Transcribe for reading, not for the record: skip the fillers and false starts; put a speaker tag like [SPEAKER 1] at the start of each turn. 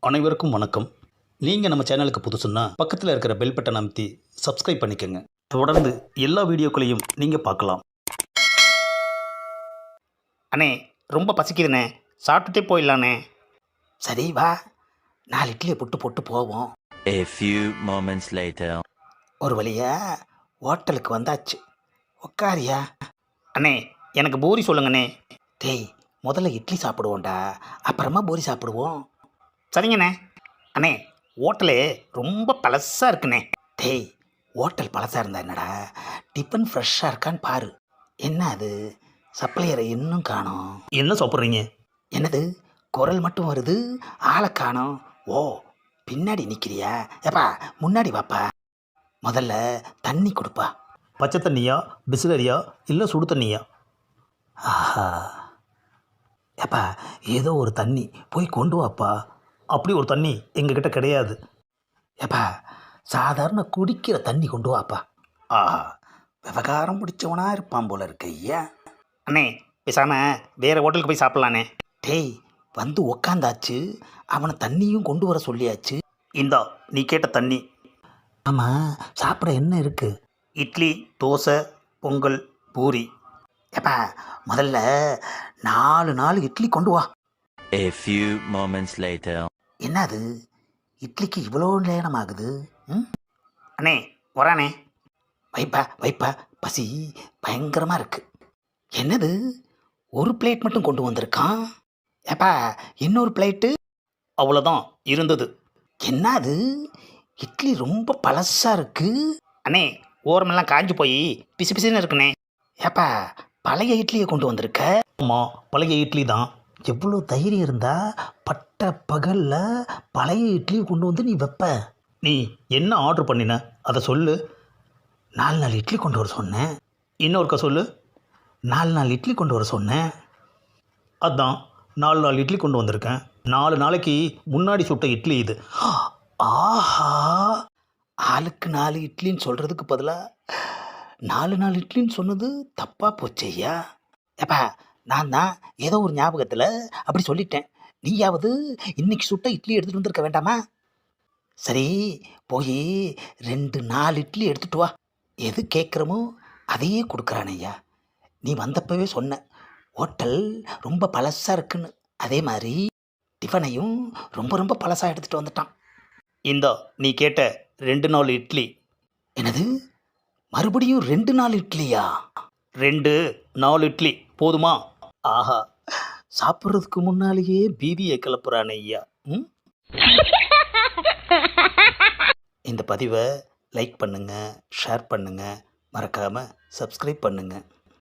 [SPEAKER 1] அனைவருக்கும் வணக்கம். நீங்கள் நம்ம சேனலுக்கு புதுசுன்னா பக்கத்தில் இருக்கிற பெல் பட்டன் அமைத்தி சப்ஸ்கிரைப் பண்ணிக்கோங்க. தொடர்ந்து எல்லா வீடியோக்களையும் நீங்கள் பார்க்கலாம்.
[SPEAKER 2] அண்ணே ரொம்ப பசிக்குதுண்ணே, சாப்பிட்டுட்டே போயிடலாண்ணே.
[SPEAKER 3] சரி வா, 4 இட்லியை புட்டு போட்டு போவோம்.
[SPEAKER 4] A few moments later.
[SPEAKER 3] ஒரு வழியா ஹோட்டலுக்கு வந்தாச்சு. உக்காரியா?
[SPEAKER 2] அண்ணே எனக்கு பூரி சொல்லுங்கண்ணே.
[SPEAKER 3] டேய், முதல்ல இட்லி சாப்பிடுவோம்டா, அப்புறமா பூரி சாப்பிடுவோம்.
[SPEAKER 2] சரிங்கண்ணே. அண்ணே ஹோட்டலு ரொம்ப பழசாக இருக்குண்ணே.
[SPEAKER 3] டேய், ஹோட்டல் பழசாக இருந்தா என்னடா, டிஃபன் ஃப்ரெஷ்ஷாக இருக்கான்னு பாரு. என்ன அது, சப்ளையரை இன்னும் காணோம்.
[SPEAKER 1] என்ன சாப்பிட்றீங்க?
[SPEAKER 3] என்னது, குரல் மட்டும் வருது, ஆளை காணோம். ஓ, பின்னாடி நிற்கிறியா? ஏப்பா முன்னாடி வாப்பா. முதல்ல தண்ணி கொடுப்பா.
[SPEAKER 1] பச்சை தண்ணியா, பிஸ்லரியா, இல்லை சுடு தண்ணியா?
[SPEAKER 3] ஆஹா, ஏப்பா ஏதோ ஒரு தண்ணி போய் கொண்டு வாப்பா.
[SPEAKER 1] அப்படி ஒரு தண்ணி எங்ககிட்ட கிடையாது.
[SPEAKER 3] ஏப்பா சாதாரண குடிக்கிற தண்ணி கொண்டு வாப்பா. ஆஹா, விவகாரம் பிடிச்சவனா இருப்பான் போல இருக்கு ஐயா.
[SPEAKER 2] அண்ணே பேசாமல் வேறு ஹோட்டலுக்கு போய் சாப்பிட்லாண்ணே.
[SPEAKER 3] டேய், வந்து உக்காந்தாச்சு, அவனை தண்ணியும் கொண்டு வர சொல்லியாச்சு.
[SPEAKER 1] இந்தா நீ கேட்ட தண்ணி.
[SPEAKER 3] ஆமாம், சாப்பிட என்ன இருக்கு?
[SPEAKER 2] இட்லி, தோசை, பொங்கல், பூரி.
[SPEAKER 3] ஏப்பா முதல்ல 4 இட்லி கொண்டு வா.
[SPEAKER 4] A few moments later.
[SPEAKER 3] என்னது, இட்லிக்கு இவ்வளோ நேரம் ஆகுது? ம்,
[SPEAKER 2] அண்ணே வரானே.
[SPEAKER 3] வைப்பா வைப்பா, பசி பயங்கரமாக இருக்கு. என்னது, ஒரு பிளேட் மட்டும் கொண்டு வந்திருக்கான். ஏப்பா இன்னொரு பிளேட்டு?
[SPEAKER 2] அவ்வளோதான் இருந்தது.
[SPEAKER 3] என்னது, இட்லி ரொம்ப பழசாக இருக்கு.
[SPEAKER 2] அண்ணே ஓரமெல்லாம் காஞ்சு போய் பிசு பிசுன்னு இருக்குண்ணே.
[SPEAKER 3] ஏப்பா பழைய இட்லியை கொண்டு வந்திருக்க?
[SPEAKER 1] ஆமாம், பழைய இட்லி தான்.
[SPEAKER 3] எவ்வளோ தைரியம் இருந்தா பட்ட பகலில் பழைய இட்லியை கொண்டு வந்து நீ வைப்ப?
[SPEAKER 1] நீ என்ன ஆர்டர் பண்ணின அதை சொல்லு.
[SPEAKER 3] 4 இட்லி கொண்டு வர சொன்னேன்.
[SPEAKER 1] இன்னொருக்கா சொல்லு.
[SPEAKER 3] 4 இட்லி கொண்டு வர சொன்னேன்.
[SPEAKER 1] அதான் 4 இட்லி கொண்டு வந்திருக்கேன். 4 நாளைக்கு முன்னாடி சுட்ட இட்லி இது.
[SPEAKER 3] ஆஹா, ஆளுக்கு 4 இட்லின்னு சொல்கிறதுக்கு பதிலாக 4 இட்லின்னு சொன்னது தப்பாக போச்சு ஐயா. ஏப்பா நான் தான் ஏதோ ஒரு ஞாபகத்தில் அப்படி சொல்லிட்டேன். நீயாவது இன்னைக்கு சுட்ட இட்லி எடுத்துகிட்டு வந்திருக்க வேண்டாமா? சரி, போய் 4 இட்லி எடுத்துட்டு வா. எது கேட்குறமோ அதையே கொடுக்குறான் ஐயா. நீ வந்தப்பவே சொன்ன ஹோட்டல் ரொம்ப பழசாக இருக்குன்னு. அதே மாதிரி டிஃபனையும் ரொம்ப ரொம்ப பழசாக எடுத்துகிட்டு வந்துட்டான்.
[SPEAKER 2] இந்தா நீ கேட்ட 2 இட்லி.
[SPEAKER 3] என்னது, மறுபடியும் 4 இட்லியா?
[SPEAKER 2] 4 இட்லி போதுமா?
[SPEAKER 3] ஆஹா, சாப்பிட்றதுக்கு முன்னாலேயே பீதியை கிளப்புறானே ஐயா. ம், இந்த பதிவை லைக் பண்ணுங்கள், ஷேர் பண்ணுங்கள், மறக்காமல் சப்ஸ்கிரைப் பண்ணுங்கள்.